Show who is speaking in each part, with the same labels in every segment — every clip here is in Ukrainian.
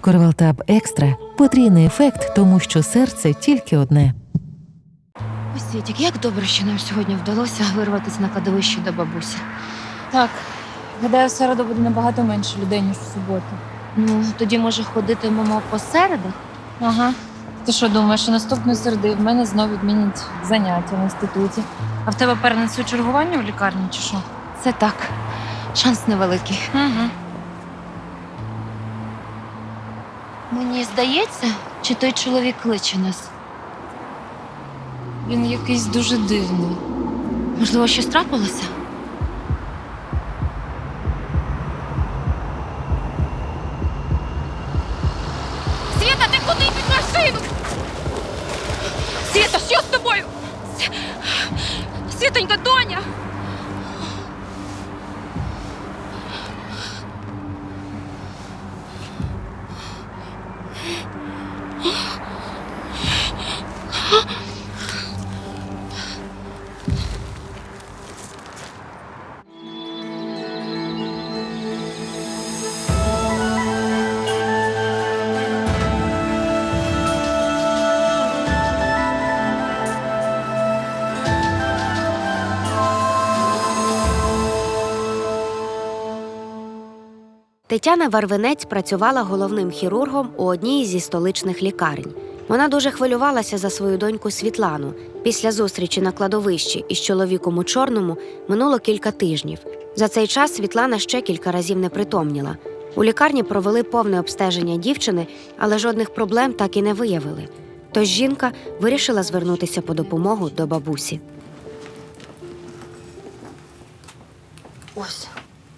Speaker 1: Корвалтаб Екстра – потрійний ефект, тому що серце тільки одне.
Speaker 2: Ось, Світік, як добре, що нам сьогодні вдалося вирватися на кладовище до бабусі.
Speaker 3: Так, гадаю, в середу буде набагато менше людей, ніж в суботу.
Speaker 2: Ну, тоді, може, ходитимемо по середах?
Speaker 3: Ага. Ти що думаєш, що наступної середи в мене знов відмінять заняття в інституті? А в тебе перенесуть чергування в лікарні чи що?
Speaker 2: Це так. Шанс невеликий.
Speaker 3: Угу.
Speaker 2: Мені здається, чи той чоловік кличе нас.
Speaker 3: Він якийсь дуже дивний.
Speaker 2: Можливо, щось трапилося?
Speaker 3: Світа, ти куди під машину? Світа, що з тобою? Світонька, доня!
Speaker 4: Тетяна Варвинець працювала головним хірургом у одній зі столичних лікарень. Вона дуже хвилювалася за свою доньку Світлану. Після зустрічі на кладовищі із чоловіком у чорному минуло кілька тижнів. За цей час Світлана ще кілька разів не притомніла. У лікарні провели повне обстеження дівчини, але жодних проблем так і не виявили. Тож жінка вирішила звернутися по допомогу до бабусі.
Speaker 2: Ось.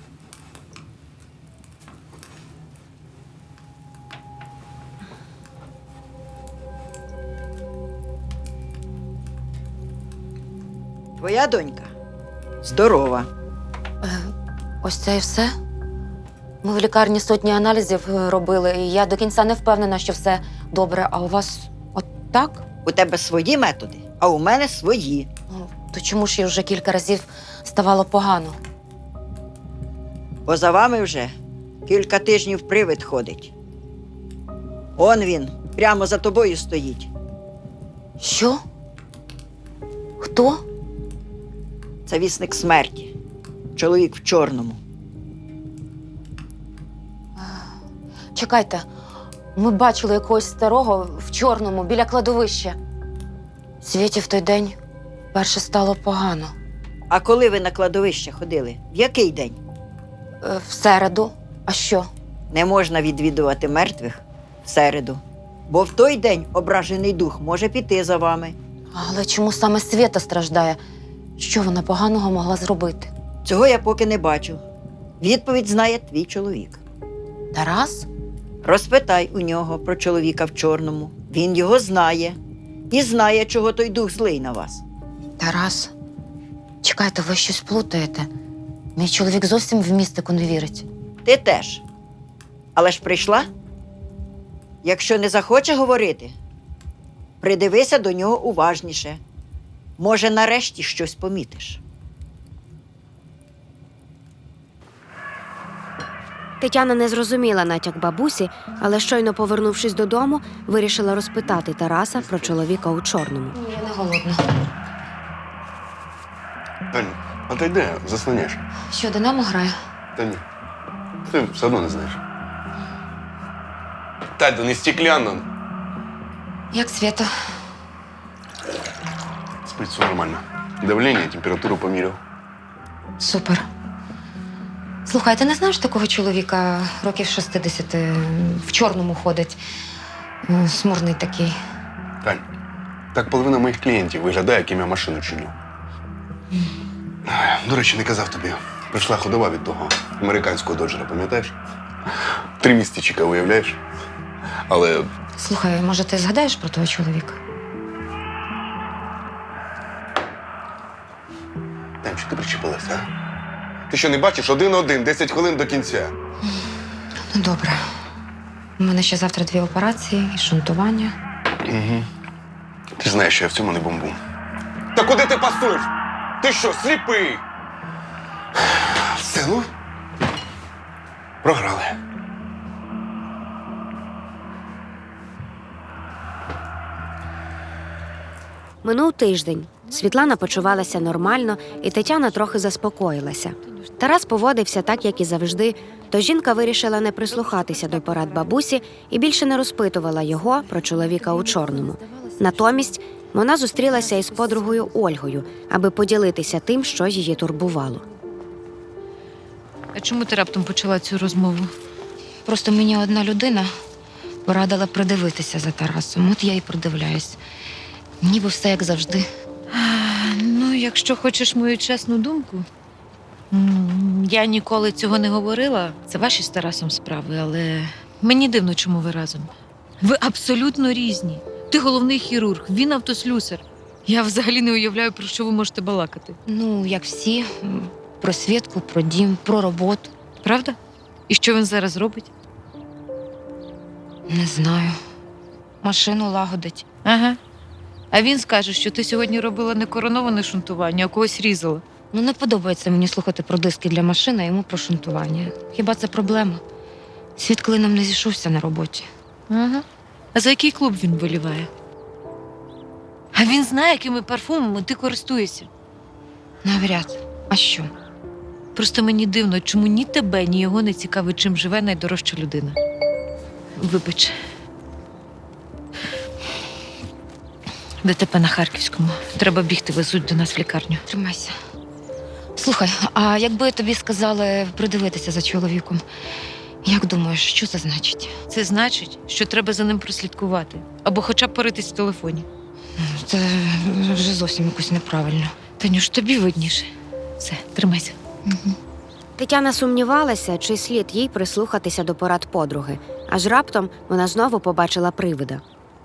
Speaker 5: Твоя донька здорова.
Speaker 2: Ось це і все? Ми в лікарні сотні аналізів робили, і я до кінця не впевнена, що все добре. А у вас от так?
Speaker 5: У тебе свої методи, а у мене свої.
Speaker 2: Ну, то чому ж їй вже кілька разів ставало погано?
Speaker 5: Бо за вами вже кілька тижнів привид ходить. Он він, прямо за тобою стоїть.
Speaker 2: Що? Хто?
Speaker 5: Це вісник смерті. Чоловік в чорному.
Speaker 2: Чекайте, ми бачили якогось старого в чорному біля кладовища. Світі в той день перше стало погано.
Speaker 5: А коли ви на кладовище ходили? В який день?
Speaker 2: В середу. А що?
Speaker 5: Не можна відвідувати мертвих в середу. Бо в той день ображений дух може піти за вами.
Speaker 2: Але чому саме Свєта страждає? Що вона поганого могла зробити?
Speaker 5: Цього я поки не бачу. Відповідь знає твій чоловік.
Speaker 2: Тарас?
Speaker 5: Розпитай у нього про чоловіка в чорному. Він його знає. І знає, чого той дух злий на вас.
Speaker 2: Тарас? Чекайте, ви щось плутаєте. Мій чоловік зовсім в містику не вірить.
Speaker 5: Ти теж. Але ж прийшла? Якщо не захоче говорити, придивися до нього уважніше. Може, нарешті щось помітиш.
Speaker 4: Тетяна не зрозуміла натяк бабусі, але щойно повернувшись додому, вирішила розпитати Тараса про чоловіка у чорному.
Speaker 2: Я не голодна.
Speaker 6: Тань, а ти йди, заслоняєш.
Speaker 2: Що, Динамо грає?
Speaker 6: Та ні. Ти все одно не знаєш. Тань, то не стеклянно.
Speaker 2: Як Свєта?
Speaker 6: Спить все нормально. Давлення, температуру поміряв.
Speaker 2: Супер. Слухай, ти не знаєш такого чоловіка років 60, в чорному ходить, смурний такий.
Speaker 6: Тань, так половина моїх клієнтів виглядає, яким я машину чиню. До речі, не казав тобі. Прийшла ходова від того американського доджера, пам'ятаєш? 3 місяці чекав, уявляєш? Але
Speaker 2: Слухай, може, ти згадаєш про того чоловіка?
Speaker 6: Тань, що ти причепилася, а? Ти що, не бачиш? 1-1, 10 хвилин до кінця.
Speaker 2: Ну, добре. У мене ще завтра 2 операції і шунтування.
Speaker 6: Угу. Ти ж знаєш, що я в цьому не бомбу. Та куди ти пасуєш? Ти що, сліпий? Все, ну? Програли.
Speaker 4: Минув тиждень. Світлана почувалася нормально, і Тетяна трохи заспокоїлася. Тарас поводився так, як і завжди, то жінка вирішила не прислухатися до порад бабусі і більше не розпитувала його про чоловіка у чорному. Натомість вона зустрілася із подругою Ольгою, аби поділитися тим, що її турбувало.
Speaker 3: А чому ти раптом почала цю розмову?
Speaker 2: Просто мені одна людина порадила придивитися за Тарасом. От я і придивляюсь. Ніби все як завжди.
Speaker 3: Ну, якщо хочеш мою чесну думку, я ніколи цього не говорила. Це ваші з Тарасом справи, але мені дивно, чому ви разом. Ви абсолютно різні. Ти головний хірург, він автослюсар. Я взагалі не уявляю, про що ви можете балакати.
Speaker 2: Ну, як всі, про Свідку, про дім, про роботу.
Speaker 3: Правда? І що він зараз робить?
Speaker 2: Не знаю. Машину лагодить.
Speaker 3: Ага. А він скаже, що ти сьогодні робила не короноване шунтування, а когось різала.
Speaker 2: Ну, не подобається мені слухати про диски для машини, а йому про шунтування. Хіба це проблема? Світ клином не зійшовся на роботі.
Speaker 3: Ага. А за який клуб він виліває? А він знає, якими парфумами ти користуєшся.
Speaker 2: Навряд. А що?
Speaker 3: Просто мені дивно, чому ні тебе, ні його не цікавить, чим живе найдорожча людина. Вибач. ДТП на Харківському. Треба бігти, везуть до нас в лікарню.
Speaker 2: Тримайся. Слухай, а якби тобі сказали придивитися за чоловіком, як думаєш, що це значить?
Speaker 3: Це значить, що треба за ним прослідкувати. Або хоча б поритись в телефоні.
Speaker 2: Це вже зовсім якось неправильно.
Speaker 3: Танюш, тобі видніше. Все, тримайся.
Speaker 4: Тетяна сумнівалася, чи слід їй прислухатися до порад подруги. Аж раптом вона знову побачила привида.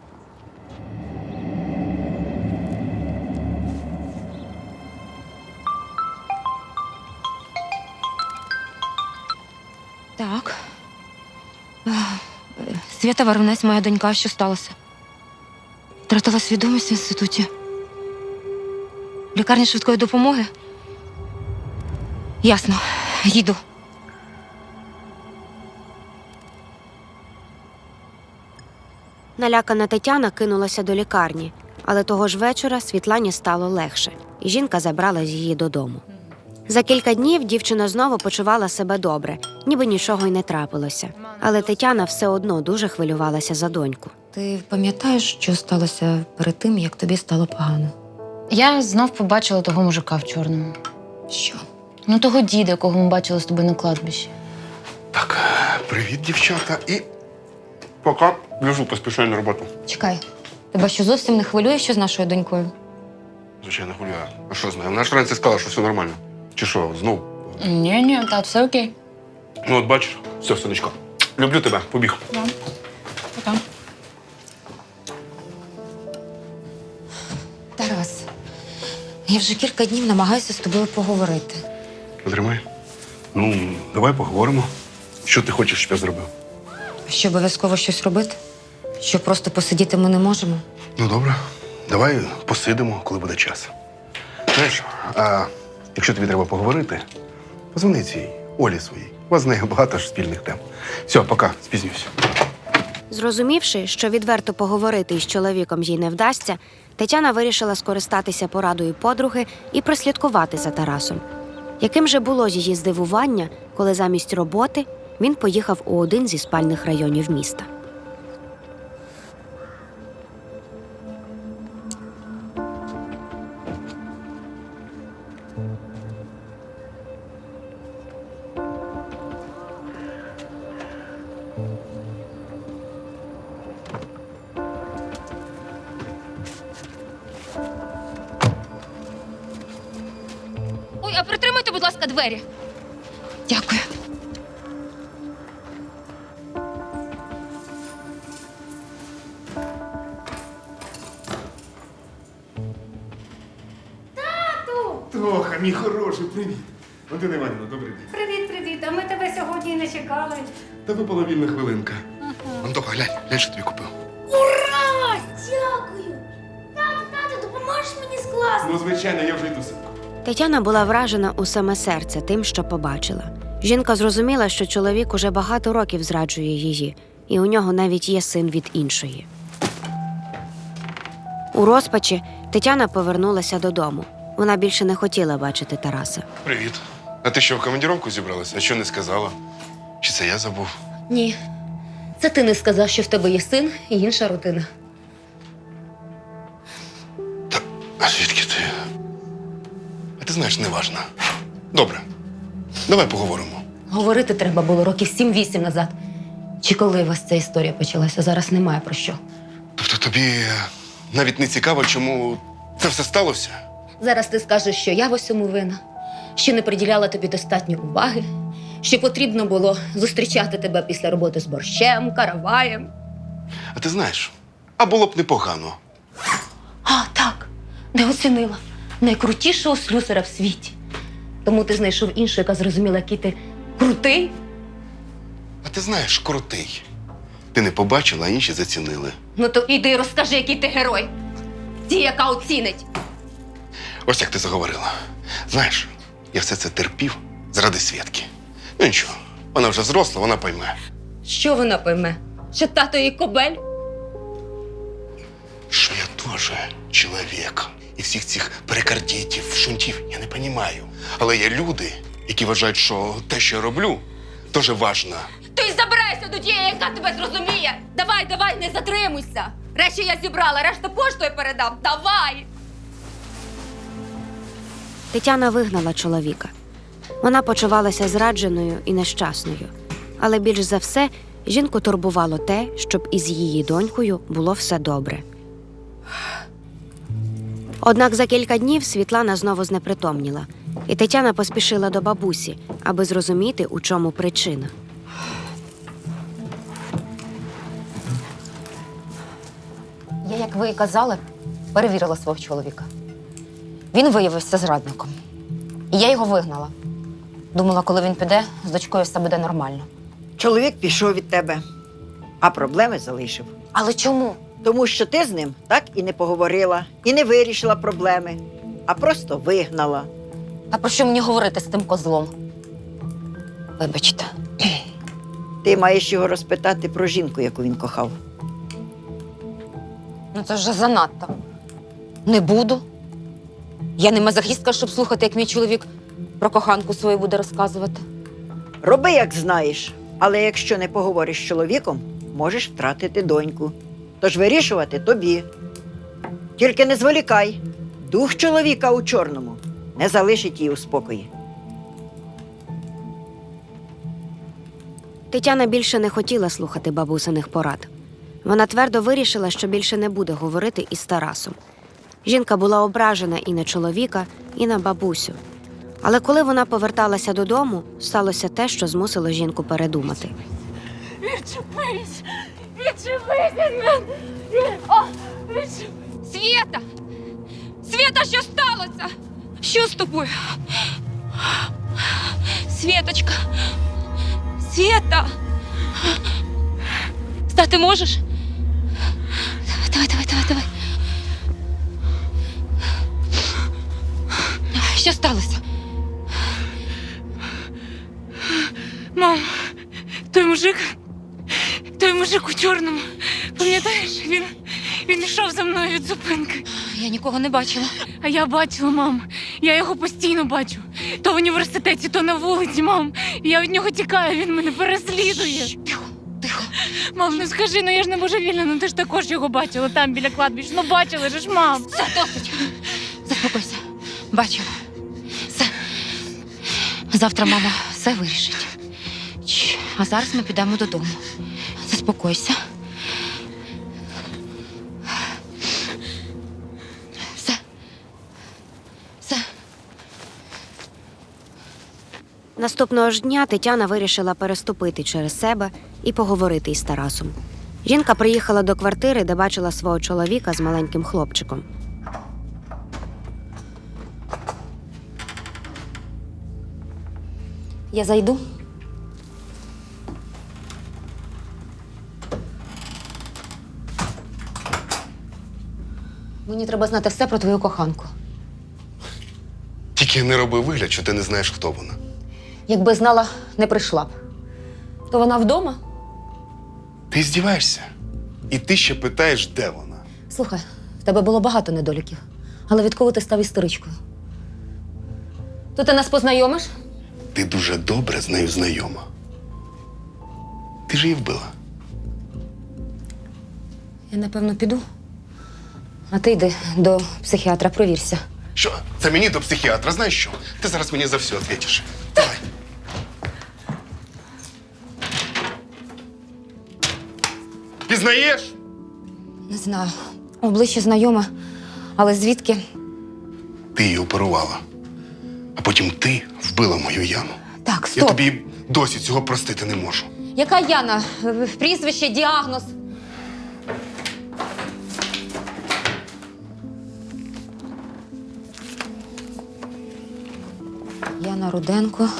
Speaker 2: Так. Свята Варвинець, моя донька, що сталося? Втратила свідомість в інституті. В лікарні швидкої допомоги? Ясно. Їду.
Speaker 4: Налякана Тетяна кинулася до лікарні, але того ж вечора Світлані стало легше, і жінка забрала її додому. За кілька днів дівчина знову почувала себе добре, ніби нічого й не трапилося. Але Тетяна все одно дуже хвилювалася за доньку.
Speaker 2: Ти пам'ятаєш, що сталося перед тим, як тобі стало погано?
Speaker 7: Я знов побачила того мужика в чорному.
Speaker 2: Що?
Speaker 7: Ну, того діда, якого ми бачили з тобою на кладбищі.
Speaker 6: Так, привіт, дівчата. І пока біжу, поспішаю на роботу.
Speaker 2: Чекай, тебе що зовсім не хвилює, що з нашою донькою?
Speaker 6: Звичайно, хвилюю. А що знаю? Вона ж вранці сказала, що все нормально. Чи що, знов?
Speaker 7: Ні, тат, все окей.
Speaker 6: Ну, от бачиш, все, сонечко. Люблю тебе, побіг.
Speaker 7: Пока.
Speaker 2: Тарас, я вже кілька днів намагаюся з тобою поговорити.
Speaker 6: Потримай. Ну, давай поговоримо. Що ти хочеш, щоб я зробив?
Speaker 2: Що обов'язково щось робити? Що просто посидіти ми не можемо?
Speaker 6: Ну, добре. Давай посидимо, коли буде час. Знаєш, а якщо тобі треба поговорити, позвони цій Олі своїй. У вас з нею багато ж спільних тем. Все, пока, спізнююся.
Speaker 4: Зрозумівши, що відверто поговорити із чоловіком їй не вдасться, Тетяна вирішила скористатися порадою подруги і прослідкувати за Тарасом. Яким же було її здивування, коли замість роботи він поїхав у один зі спальних районів міста.
Speaker 2: Ой, а притримайте, будь ласка, двері. Дякую.
Speaker 6: Тоха, мій хороший, привіт. Валентина Іванівна, добрий день.
Speaker 8: Привіт. А ми тебе сьогодні не чекали.
Speaker 6: Та випала вільна хвилинка. Антоха, глянь, що тобі купив.
Speaker 8: Ура! Дякую! Тату, допоможеш мені з класом?
Speaker 6: Ну, звичайно, я вже йду синку.
Speaker 4: Тетяна була вражена у саме серце тим, що побачила. Жінка зрозуміла, що чоловік уже багато років зраджує її, і у нього навіть є син від іншої. У розпачі Тетяна повернулася додому. Вона більше не хотіла бачити Тараса.
Speaker 6: Привіт. А ти що, в командіровку зібралася? А що не сказала? Чи це я забув?
Speaker 2: Ні. Це ти не сказав, що в тебе є син і інша родина.
Speaker 6: А звідки ти? А ти знаєш, неважно. Добре. Давай поговоримо.
Speaker 2: Говорити треба було років 7-8 назад. Чи коли у вас ця історія почалася? Зараз немає про що.
Speaker 6: Тобто тобі навіть не цікаво, чому це все сталося?
Speaker 2: Зараз ти скажеш, що я в усьому винна, що не приділяла тобі достатньо уваги, що потрібно було зустрічати тебе після роботи з борщем, караваєм.
Speaker 6: А ти знаєш, а було б непогано.
Speaker 2: А, так, не оцінила. Найкрутішого слюсаря в світі. Тому ти знайшов іншу, яка зрозуміла, який ти крутий.
Speaker 6: А ти знаєш, крутий. Ти не побачила, а інші зацінили.
Speaker 2: Ну то іди і розкажи, який ти герой. Ті, яка оцінить.
Speaker 6: Ось як ти заговорила. Знаєш, я все це терпів заради Свєтки. Ну нічого, вона вже зросла, вона пойме.
Speaker 2: Що вона пойме? Що тато її кобель?
Speaker 6: Що я теж чоловік. І всіх цих перикардітів, шунтів я не розумію. Але є люди, які вважають, що те, що я роблю, дуже важливо.
Speaker 2: Ти забирайся до тієї, яка тебе зрозуміє. Давай, не затримуйся. Речі я зібрала, решту поштою передам. Давай!
Speaker 4: Тетяна вигнала чоловіка. Вона почувалася зрадженою і нещасною. Але більш за все, жінку турбувало те, щоб із її донькою було все добре. Однак за кілька днів Світлана знову знепритомніла, і Тетяна поспішила до бабусі, аби зрозуміти, у чому причина.
Speaker 2: Я, як ви і казали, перевірила свого чоловіка. Він виявився зрадником. І я його вигнала. Думала, коли він піде, з дочкою все буде нормально.
Speaker 5: Чоловік пішов від тебе, а проблеми залишив.
Speaker 2: Але чому?
Speaker 5: Тому що ти з ним так і не поговорила, і не вирішила проблеми, а просто вигнала.
Speaker 2: А про що мені говорити з тим козлом? Вибачте.
Speaker 5: Ти маєш його розпитати про жінку, яку він кохав.
Speaker 2: Ну це вже занадто. Не буду. Я не мазохістка, щоб слухати, як мій чоловік про коханку свою буде розказувати.
Speaker 5: Роби, як знаєш, але якщо не поговориш з чоловіком, можеш втратити доньку. Тож вирішувати тобі. Тільки не зволікай. Дух чоловіка у чорному не залишить її у спокої.
Speaker 4: Тетяна більше не хотіла слухати бабусиних порад. Вона твердо вирішила, що більше не буде говорити із Тарасом. Жінка була ображена і на чоловіка, і на бабусю. Але коли вона поверталася додому, сталося те, що змусило жінку передумати.
Speaker 8: Відчепись! Відчепись від мене! О, відчепись!
Speaker 2: Свєта! Свєта, що сталося? Що з тобою? Свєточка! Свєта! Стати можеш? Давай. Що сталося?
Speaker 9: Мам, той мужик у чорному, пам'ятаєш, він йшов за мною від зупинки.
Speaker 2: Я нікого не бачила.
Speaker 9: А я бачила, мам, я його постійно бачу. То в університеті, то на вулиці, мам. Я від нього тікаю, він мене переслідує.
Speaker 2: Тихо.
Speaker 9: Мам, ну скажи, ну я ж не божевільна, ну ти ж також його бачила там, біля кладбища. Ну бачила ж, мам.
Speaker 2: Все, досить. Заспокойся. Бачила. Все. Завтра мама все вирішить. А зараз ми підемо додому. Заспокойся. Все.
Speaker 4: Наступного ж дня Тетяна вирішила переступити через себе і поговорити із Тарасом. Жінка приїхала до квартири, де бачила свого чоловіка з маленьким хлопчиком.
Speaker 2: Я зайду. Мені треба знати все про твою коханку.
Speaker 6: Тільки не роби вигляд, що ти не знаєш, хто вона.
Speaker 2: Якби знала, не прийшла б. То вона вдома?
Speaker 6: Ти здіваєшся? І ти ще питаєш, де вона?
Speaker 2: Слухай, в тебе було багато недоліків. Але відколи ти став істеричкою? То ти нас познайомиш?
Speaker 6: Ти дуже добре з нею знайома. Ти ж її вбила.
Speaker 2: Я, напевно, піду. А ти йди до психіатра, провірся.
Speaker 6: Що? Це мені до психіатра, знаєш що? Ти зараз мені за все відповіш. Давай. Пізнаєш?
Speaker 2: Не знаю. Обличчя знайоме, але звідки?
Speaker 6: Ти її оперувала. А потім ти вбила мою Яну.
Speaker 2: Так,
Speaker 6: Я
Speaker 2: стоп.
Speaker 6: тобі досі цього простити не можу.
Speaker 2: Яка Яна? Прізвище, діагноз. Яна Руденко.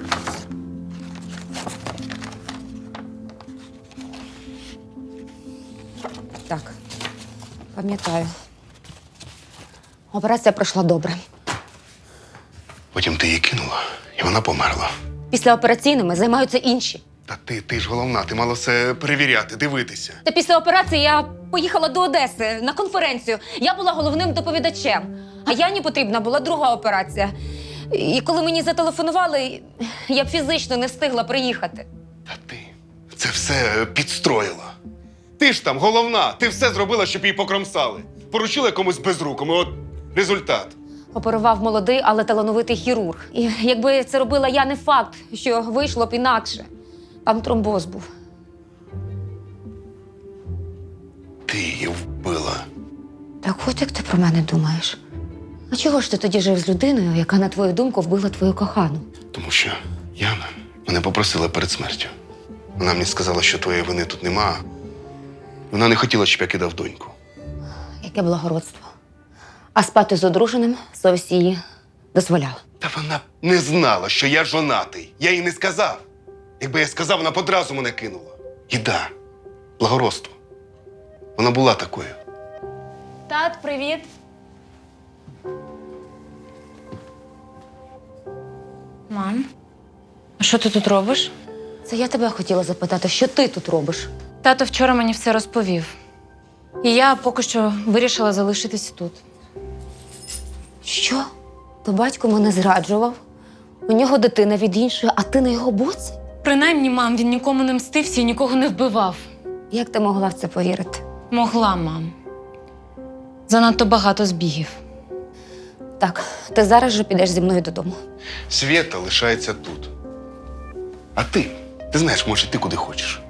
Speaker 2: Так, пам'ятаю. Операція пройшла добре.
Speaker 6: Потім ти її кинула, і вона померла.
Speaker 2: Післяопераційними займаються інші.
Speaker 6: Та ти ж головна, ти мала все перевіряти, дивитися.
Speaker 2: Та після операції я поїхала до Одеси на конференцію. Я була головним доповідачем. А Яні потрібна була друга операція. І коли мені зателефонували, я б фізично не встигла приїхати.
Speaker 6: Та ти це все підстроїла. Ти ж там головна, ти все зробила, щоб її покромсали. Поручила якомусь безрукому, от результат.
Speaker 2: Оперував молодий, але талановитий хірург. І якби це робила я, не факт, що вийшло б інакше. Там тромбоз був.
Speaker 6: Ти її вбила.
Speaker 2: Так от як ти про мене думаєш? А чого ж ти тоді жив з людиною, яка, на твою думку, вбила твою кохану?
Speaker 6: Тому що Яна мене попросила перед смертю. Вона мені сказала, що твоєї вини тут нема. Вона не хотіла, щоб я кидав доньку.
Speaker 2: Яке благородство. А спати з одруженим совість її дозволяла.
Speaker 6: Та вона не знала, що я жонатий. Я їй не сказав. Якби я сказав, вона б одразу мене кинула. І да, благородство. Вона була такою.
Speaker 2: Тат, привіт.
Speaker 7: Мам, а що ти тут робиш?
Speaker 2: Це я тебе хотіла запитати, що ти тут робиш?
Speaker 7: Тато вчора мені все розповів. І я поки що вирішила залишитись тут.
Speaker 2: Що? То батько мене зраджував? У нього дитина від іншої, а ти на його боці?
Speaker 7: Принаймні, мам, він нікому не мстився і нікого не вбивав.
Speaker 2: Як ти могла в це повірити?
Speaker 7: Могла, мам. Занадто багато збігів.
Speaker 2: Так, ти зараз же підеш зі мною додому.
Speaker 6: Свєта лишається тут. А ти? Ти знаєш, може, ти куди хочеш.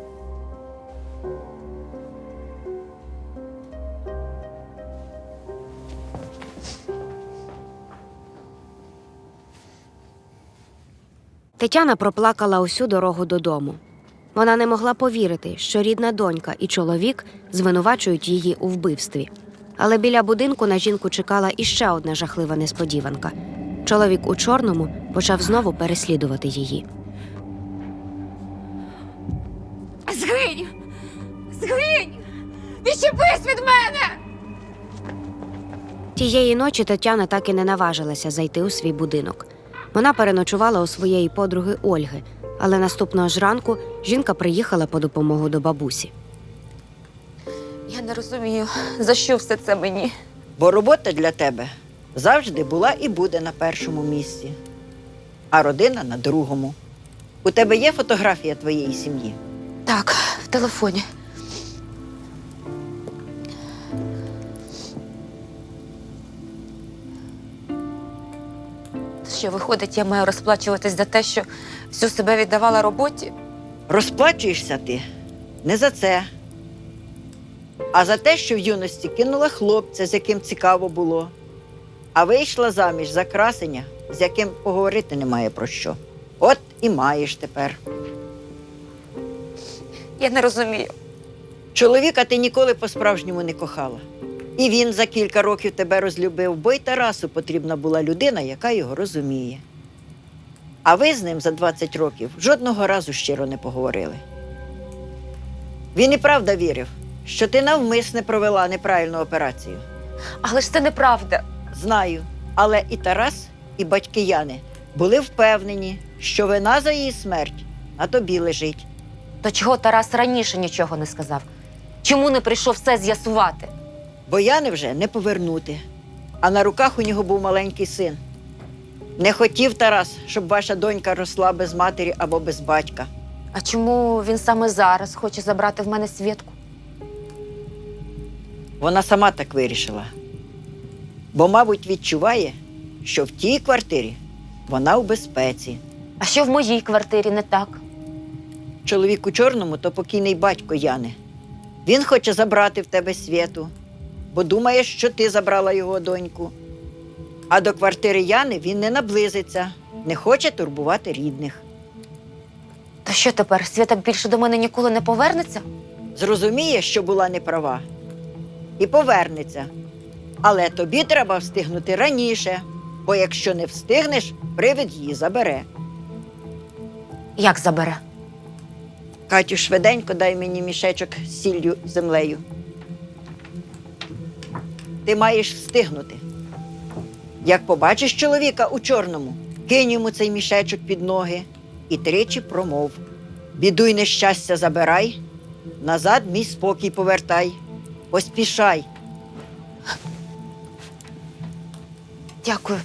Speaker 4: Тетяна проплакала усю дорогу додому. Вона не могла повірити, що рідна донька і чоловік звинувачують її у вбивстві. Але біля будинку на жінку чекала іще одна жахлива несподіванка. Чоловік у чорному почав знову переслідувати її.
Speaker 8: Згинь! Згинь! Відчепись від мене!
Speaker 4: Тієї ночі Тетяна так і не наважилася зайти у свій будинок. Вона переночувала у своєї подруги Ольги, але наступного ж ранку жінка приїхала по допомогу до бабусі.
Speaker 2: Я не розумію, за що все це мені.
Speaker 5: Бо робота для тебе завжди була і буде на першому місці, а родина на другому. У тебе є фотографія твоєї сім'ї?
Speaker 2: Так, в телефоні. Що, виходить, я маю розплачуватись за те, що всю себе віддавала роботі?
Speaker 5: Розплачуєшся ти не за це, а за те, що в юності кинула хлопця, з яким цікаво було, а вийшла заміж за красеня, з яким поговорити немає про що. От і маєш тепер.
Speaker 2: Я не розумію.
Speaker 5: Чоловіка ти ніколи по-справжньому не кохала. І він за кілька років тебе розлюбив, бо й Тарасу потрібна була людина, яка його розуміє. А ви з ним за 20 років жодного разу щиро не поговорили. Він і правда вірив, що ти навмисне провела неправильну операцію.
Speaker 2: Але ж це неправда.
Speaker 5: Знаю, але і Тарас, і батьки Яни були впевнені, що вина за її смерть на тобі лежить.
Speaker 2: То чого Тарас раніше нічого не сказав? Чому не прийшов все з'ясувати?
Speaker 5: Бо Яни вже не повернути. а на руках у нього був маленький син. Не хотів Тарас, щоб ваша донька росла без матері або без батька.
Speaker 2: А чому він саме зараз хоче забрати в мене Свєтку?
Speaker 5: Вона сама так вирішила. Бо, мабуть, відчуває, що в тій квартирі вона у безпеці.
Speaker 2: А що в моїй квартирі не так?
Speaker 5: Чоловік у чорному – то покійний батько Яни. Він хоче забрати в тебе Свєту, бо думає, що ти забрала його доньку. А до квартири Яни він не наблизиться, не хоче турбувати рідних.
Speaker 2: То що тепер, Свєта більше до мене ніколи не повернеться?
Speaker 5: Зрозуміє, що була неправа, і повернеться. Але тобі треба встигнути раніше, бо якщо не встигнеш, привид її забере.
Speaker 2: Як забере?
Speaker 5: Катю, швиденько дай мені мішечок з сіллю і землею. Ти маєш встигнути. Як побачиш чоловіка у чорному, кинь йому цей мішечок під ноги і тричі промов: біду й нещастя забирай, назад мій спокій повертай. Поспішай.
Speaker 2: Дякую.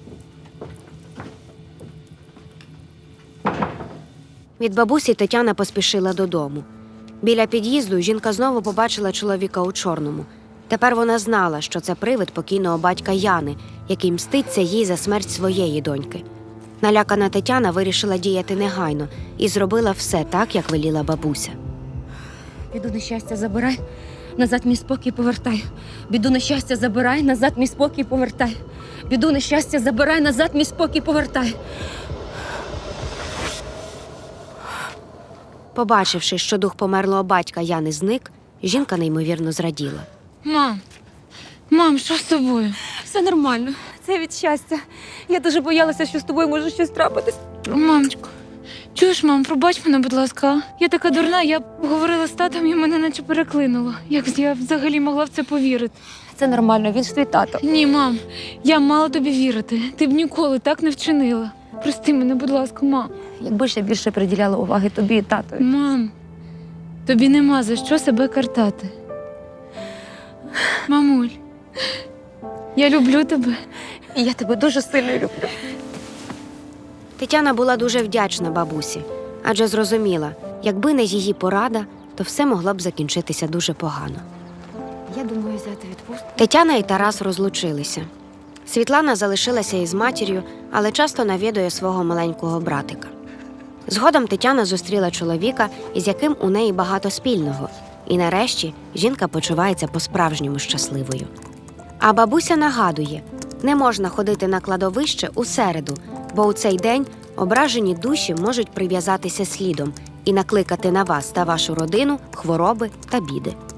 Speaker 4: Від бабусі Тетяна поспішила додому. Біля під'їзду жінка знову побачила чоловіка у чорному. Тепер вона знала, що це привид покійного батька Яни, який мститься їй за смерть своєї доньки. Налякана Тетяна вирішила діяти негайно і зробила все так, як веліла бабуся.
Speaker 8: Біду нещастя забирай, назад мій спокій повертай. Біду нещастя забирай, назад мій спокій повертай. Біду нещастя забирай, назад мій спокій повертай.
Speaker 4: Побачивши, що дух померлого батька Яни зник, жінка неймовірно зраділа.
Speaker 9: Мам, що з тобою?
Speaker 8: Все нормально, це від щастя. Я дуже боялася, що з тобою може щось трапитись.
Speaker 9: Мамочко, чуєш, мам, пробач мене, будь ласка. Я така дурна, я говорила з татом і мене наче переклинуло. Як я взагалі могла в це повірити?
Speaker 8: Це нормально, він ж твій тато.
Speaker 9: Ні, мам, я мала тобі вірити. Ти б ніколи так не вчинила. Прости мене, будь ласка, мам.
Speaker 8: Якби ж я більше приділяла уваги тобі і татові.
Speaker 9: Мам, тобі нема за що себе картати. Мамуль, я люблю тебе.
Speaker 8: І я тебе дуже сильно люблю.
Speaker 4: Тетяна була дуже вдячна бабусі, адже зрозуміла, якби не її порада, то все могло б закінчитися дуже погано.
Speaker 8: Я думаю взяти відпустку.
Speaker 4: Тетяна і Тарас розлучилися. Світлана залишилася із матір'ю, але часто навідує свого маленького братика. Згодом Тетяна зустріла чоловіка, із яким у неї багато спільного. І нарешті жінка почувається по-справжньому щасливою. А бабуся нагадує, не можна ходити на кладовище у середу, бо у цей день ображені душі можуть прив'язатися слідом і накликати на вас та вашу родину хвороби та біди.